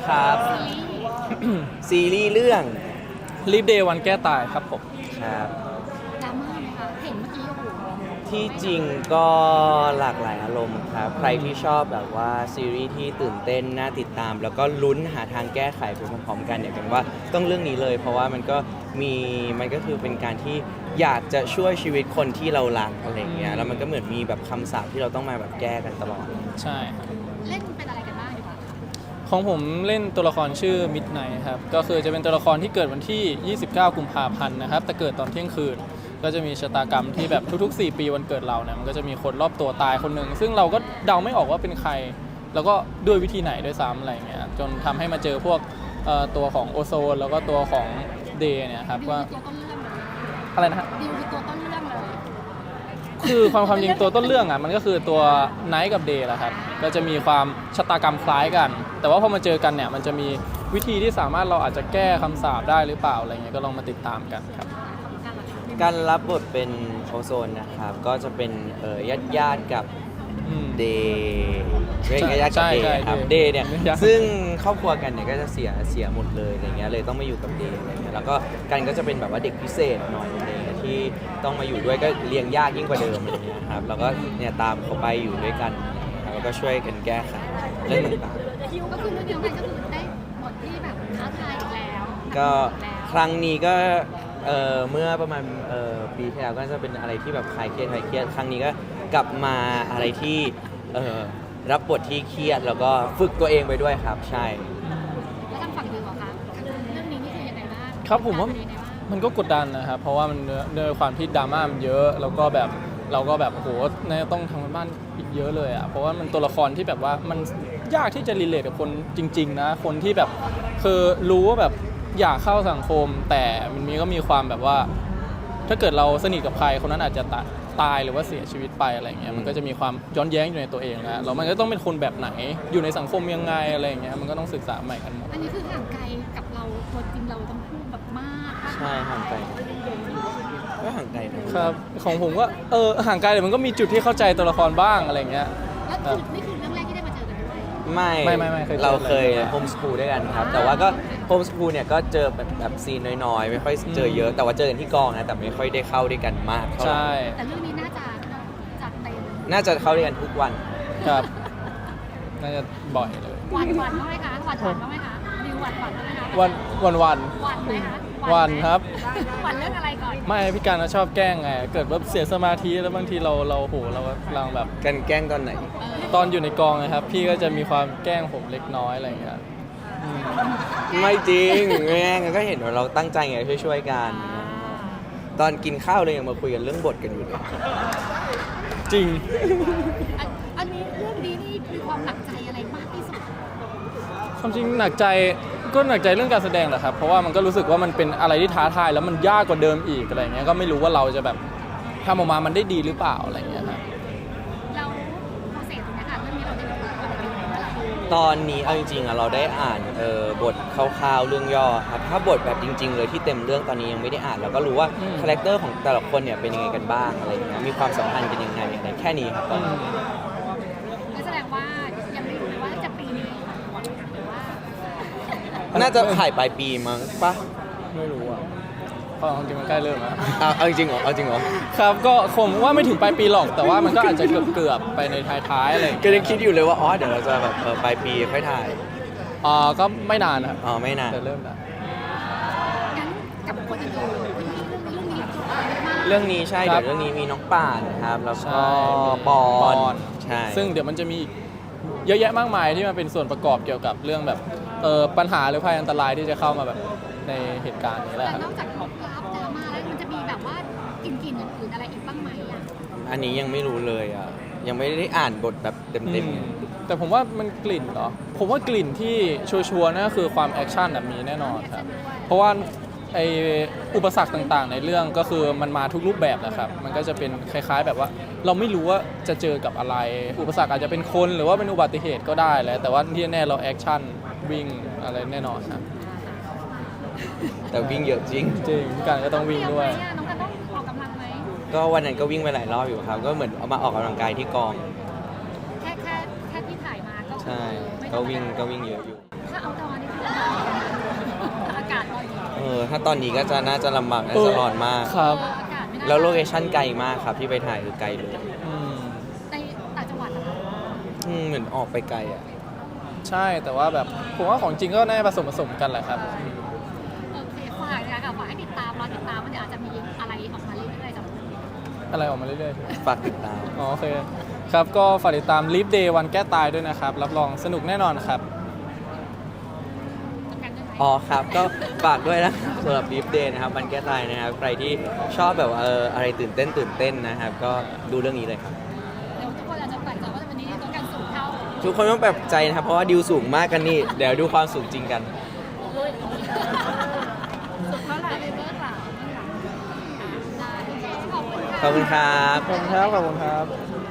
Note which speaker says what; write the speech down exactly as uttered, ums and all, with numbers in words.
Speaker 1: ครับซีรีส์เรื่อง
Speaker 2: รีบเดย์วันแก้ตายครับผม
Speaker 1: ครับ
Speaker 3: ดราม่าไหมคะเห็นเมื่อกี้โอ้โห
Speaker 1: ที่จริงก็หลากหลายอารมณ์ครับใครที่ชอบแบบว่าซีรีส์ที่ตื่นเต้นน่าติดตาม แล้วก็ลุ้นหาทางแก้ไขไปพร้อมๆกันเนี่ยเป็นว่าต้องเรื่องนี้เลย เพราะว่ามันก็มีมันก็คือเป็นการที่อยากจะช่วยชีวิตคนที่เรารักอะไรเงี้ยแล้วมันก็เหมือนมีแบบคำสาปที่เราต้องมาแบบแก้กันตลอด
Speaker 2: ใช่ครับ
Speaker 3: เล่นเป็นอะไรกันบ้างดีกว่า
Speaker 2: ของผมเล่นตัวละครชื่อมิดไนท์ครับก็คือจะเป็นตัวละครที่เกิดวันที่ยี่สิบเก้ากุมภาพันธ์นะครับแต่เกิดตอนเที่ยงคืนก็จะมีชะตากรรมที่แบบทุกๆสี่ปีวันเกิดเราเนี่ยมันก็จะมีคนรอบตัวตายคนหนึ่งซึ่งเราก็เดาไม่ออกว่าเป็นใครแล้วก็ด้วยวิธีไหนด้วยซ้ำอะไรเงี้ยจนทำให้มาเจอพวกตัวของโอโซนแล้วก็ตัวของเดย์เนี่ยครับว่าอะไรนะฮะ
Speaker 3: ดิวคือตัวต้นเรื่องเลย
Speaker 2: คือความความจริงตัวต้นเรื่องอ่ะมันก็คือตัวไนท์กับเดย์แหละครับก็จะมีความชะตากรรมคล้ายกันแต่ว่าพอมาเจอกันเนี่ยมันจะมีวิธีที่สามารถเราอาจจะแก้คำสาปได้หรือเปล่าอะไรเงี้ยก็ลองมาติดตามกันครับ
Speaker 1: การรับบทเป็นโอโซนนะครับก็จะเป็นเอ่อญาติญาติกับเดย์เรียกญาติกับเดย์ครับเดย์เนี่ยซึ่งครอบครัวกันเนี่ยก็จะเสียเสียหมดเลยอะไรเงี้ยเลยต้องมาอยู่กับเดย์อะไรเงี้ยแล้วก็กันก็จะเป็นแบบว่าเด็กพิเศษหน่อยอะไรเงี้ยที่ต้องมาอยู่ด้วยก็เลี้ยงยากยิ่งกว่าเดิมอะไรเงี้ยครับแล้วก็เนี่ยตามเขาไปอยู่ด้วยกันแล้วก็ช่วยกันแก้ไขเรื่องต่าง
Speaker 3: ๆคิวก็คือเรื่องเดียวกันก็คือได้บทที่แบบท้าทายอีกแล้ว
Speaker 1: ก็ครั้งนี้ก็เอ่อเมื่อประมาณเอ่อปีที่แล้วก็จะเป็นอะไรที่แบบคลายเครียดคลายเครียดครั้งนี้ก็กลับมาอะไรที่เอ่อรับบทที่เครียดแล้วก็ฝึกตัวเองไปด้วยครับใช่
Speaker 3: แล้วทางฝั่งดิวเหรอคะเรื่องนี้นี่คือยังไงบ้าง
Speaker 2: ครับผมว่ามันก็กดดันนะครับเพราะว่ามันด้วยความที่ดราม่ามันเยอะแล้วก็แบบเราก็แบบโหเนี่ยต้องทำกันบ้านอีกเยอะเลยอ่ะเพราะว่ามันตัวละครที่แบบว่ามันยากที่จะรีเลทกับคนจริงๆนะคนที่แบบคือรู้ว่าแบบอยากเข้าสังคมแต่มันมีก็มีความแบบว่าถ้าเกิดเราสนิทกับใครคนนั้นอาจจะตายหรือว่าเสียชีวิตไปอะไรเงี้ยมันก็จะมีความย้อนแย้งอยู่ในตัวเองนะแล้วมันก็ต้องเป็นคนแบบไหนอยู่ในสังคมยังไงอะไรเงี้ยมันก็ต้องศึกษาใหม่กันหมด
Speaker 3: อันนี้คือห่างไกลกับเราตัวจริงเราต้องพูดแบบมาก
Speaker 1: ใช่ห่างไกลก็ห่างไกล
Speaker 2: ครับของผมก็เออห่างไกลแต่มันก็มีจุดที่เข้าใจตัวละครบ้างอะไรเงี้ย
Speaker 3: แล้วนี่คือเรื่องแรกที่ได้มาเจอกันด้วย
Speaker 1: ไม่
Speaker 2: ไม่ไม่ไม่
Speaker 1: เราเคยโฮมสคูลด้วยกันครับแต่ว่าก็โฮมสคูลเนี่ยก็เจอแบบแบบซีนน้อยๆไม่ค่อยเจอเยอะแต่ว่าเจอกันที่กองนะแต่ไม่ค่อยได้เข้าด้วยกันมาก
Speaker 2: ใช่
Speaker 3: แต่เรื่องนี้น่าจะจัดเต็ม
Speaker 1: น่าจะเข้าด้วยกันทุกวัน
Speaker 2: ครับน่าจะบ่อยเลย
Speaker 3: หวานหวานบ้างไหมคะหวานหวานบ้างไหมคะดิวหวานหวานบ้างไหมคะ
Speaker 2: วันวันวัน
Speaker 3: หวานไหมคะ
Speaker 2: วันครับ
Speaker 3: หวานเรื่องอะไรก่อน
Speaker 2: ไม่พี่การชอบแกล้งไงเกิดว่าเสียสมาธิแล้วบางทีเราเราโหเรากำลังแบบ
Speaker 1: กันแกล้งตอนไหน
Speaker 2: ตอนอยู่ในกองนะครับพี่ก็จะมีความแกล้งผมเล็กน้อยอะไรอย่างเงี้ย
Speaker 1: ไม่จริงแม่งก็เห็นว่าเราตั้งใจไงช่วยๆกันตอนกินข้าวเลยยังมาคุยกันเรื่องบทกันอยู่เลย
Speaker 2: จริง
Speaker 3: อันนี้เรื่องนี้นี่มีความหนักใจอะไรมากที่สุด
Speaker 2: ความจริงหนักใจก็หนักใจเรื่องการแสดงแหละครับเพราะว่ามันก็รู้สึกว่ามันเป็นอะไรที่ท้าทายแล้วมันยากกว่าเดิมอีกอะไรเงี้ยก็ไม่รู้ว่าเราจะแบบทำออกมามันได้ดีหรือเปล่าอะไรเงี้ยครับ
Speaker 3: เราโปรเซสตรงนี้ค่ะเรื่องนี้เราได้ดู
Speaker 1: ตอนนี้เอาจริงๆอะเราได้อ่านเออบทคร่าวๆเรื่องย่อครับถ้าบทแบบจริงๆเลยที่เต็มเรื่องตอนนี้ยังไม่ได้อ่านเราก็รู้ว่าคาแรคเตอร์ของแต่ละคนเนี่ยเป็นยังไงกันบ้างอะไรเงี้ยมีความสัมพันธ์กันยังไงอะไรแค่นี้ครับตอนนี้
Speaker 3: แสดงว่ายังไม่รู้ว่าจะปีนี้หรือว่า
Speaker 1: น่าจะถ่ายปลายปีมั้งปะ
Speaker 2: ไม่รู้อ่ะเพราะจริงมันใกล้เริ่มแล้ว
Speaker 1: เอาจริงเหรอเอาจริงเหรอ
Speaker 2: ครับก็คงว่าไม่ถึงปลายปีหรอกแต่ว่ามันก็อาจจะเกือบๆไปในท้ายๆอะไร
Speaker 1: ก็ยังคิดอยู่เลยว่าอ๋อเดี๋ยวเราจะแบบปลายปีค่อยถ่าย
Speaker 2: อ๋อก็ไม่นานครับ
Speaker 1: อ๋อไม่นาน
Speaker 2: จะเริ่มแล้ว
Speaker 3: งั้นกับคนอื่นๆเรื่องนี้
Speaker 1: เรื่องนี้ใช่เดี๋ยวเรื่องนี้มีน้องป่านครับแล้วก็ปอนใช่
Speaker 2: ซึ่งเดี๋ยวมันจะมีเยอะแยะมากมายที่มาเป็นส่วนประกอบเกี่ยวกับเรื่องแบบเออปัญหาหรือภัยอันตรายที่จะเข้ามาแบบในเหตุการณ์นี้แหละครับ
Speaker 3: นอกจากของกราฟดราม่าแล้วมันจะมีแบบว่ากลิ่นๆอื่นๆอะไรอีกบ้างไหมอ่ะ
Speaker 1: อันนี้ยังไม่รู้เลยอ่ะยังไม่ได้อ่านบทแบบเต็ม
Speaker 2: ๆแต่ผมว่ามันกลิ่นเหรอผมว่ากลิ่นที่ชัวร์ๆนั่นก็คือความแอคชั่นมีแน่นอนครับเพราะว่าไออุปสรรคต่างๆในเรื่องก็คือมันมาทุกรูปแบบนะครับมันก็จะเป็นคล้ายๆแบบว่าเราไม่รู้ว่าจะเจอกับอะไรอุปสรรคอาจจะเป็นคนหรือว่าเป็นอุบัติเหตุก็ได้แหละแต่ว่าที่แน่เราแอคชั่นวิ่งอะไรแน่นอนครับ
Speaker 1: แต่วิ่งเยอะจริง
Speaker 2: จริงการก็ต้องวิ่งด้วย
Speaker 3: น้องกันต้องออกกำลังไหม
Speaker 1: ก็วันนั้นก็วิ่งไปหลายรอบอยู่ครับก็เหมือนเอามาออกกำลังกายที่กอง
Speaker 3: แค่แค่แค่ที่ถ่ายมาก็
Speaker 1: ใช่ก็วิ่งก็วิ่งเยอะอยู่
Speaker 3: ถ้าเอาดอน
Speaker 1: ถ้าตอนนี้ก็จะน่าจะลำบากน่าจะร้อนมาก
Speaker 2: ครับ
Speaker 3: เอออากาศไม่น่า
Speaker 1: แล้วโลเคชั่นไกลมากครับที่ไปถ่ายคือไกลเลย
Speaker 2: อืม
Speaker 3: ในต่างจังหวัดนะคะ
Speaker 1: อืมเหมือนออกไปไกลอ่ะ
Speaker 2: ใช่แต่ว่าแบบผมว่าของจริงก็น่าจะผสมผสมกันแหละครับ
Speaker 3: โอเคฝากนะคะฝากให้ติดตามรอติดตามว่าเดี๋ยวอาจจะมีอะไรออกมาเรื่อยๆจาก
Speaker 2: อะไรออกมาเรื่อยๆ
Speaker 1: ฝากติดตาม
Speaker 2: อ๋อโอเคครับก็ฝากติดตาม Leap Day วันแก้ตายด้วยนะครับ รับรองสนุกแน่นอนครับ
Speaker 3: กันได้ไหม
Speaker 1: อ๋อครับ ก็ฝากด้วยนะครับสำหรับ Beef Day นะครับมันแก้ตายนะครับ ใครที่ชอบแบบว่าเอออะไรตื่นเต้นตื่นเต้นนะครับ ก็ดูเรื่องนี้เลยครับ
Speaker 3: เดี๋ยวทุกคนอาจจะแปลกใจว่าวันนี้ตัวการสูงเท่า
Speaker 1: ทุกคนต้องแปลกใจนะครับ เพราะว่าดิวสูงมากกันนี่ เดี๋ยวดูความสูงจริงกัน
Speaker 3: สูงเท่าไหร่เบื้องหลังได้โอเคขอบคุณค่ะ
Speaker 1: ขอบคุณครับ
Speaker 2: ขอบคุณครับ ขอบคุณครับ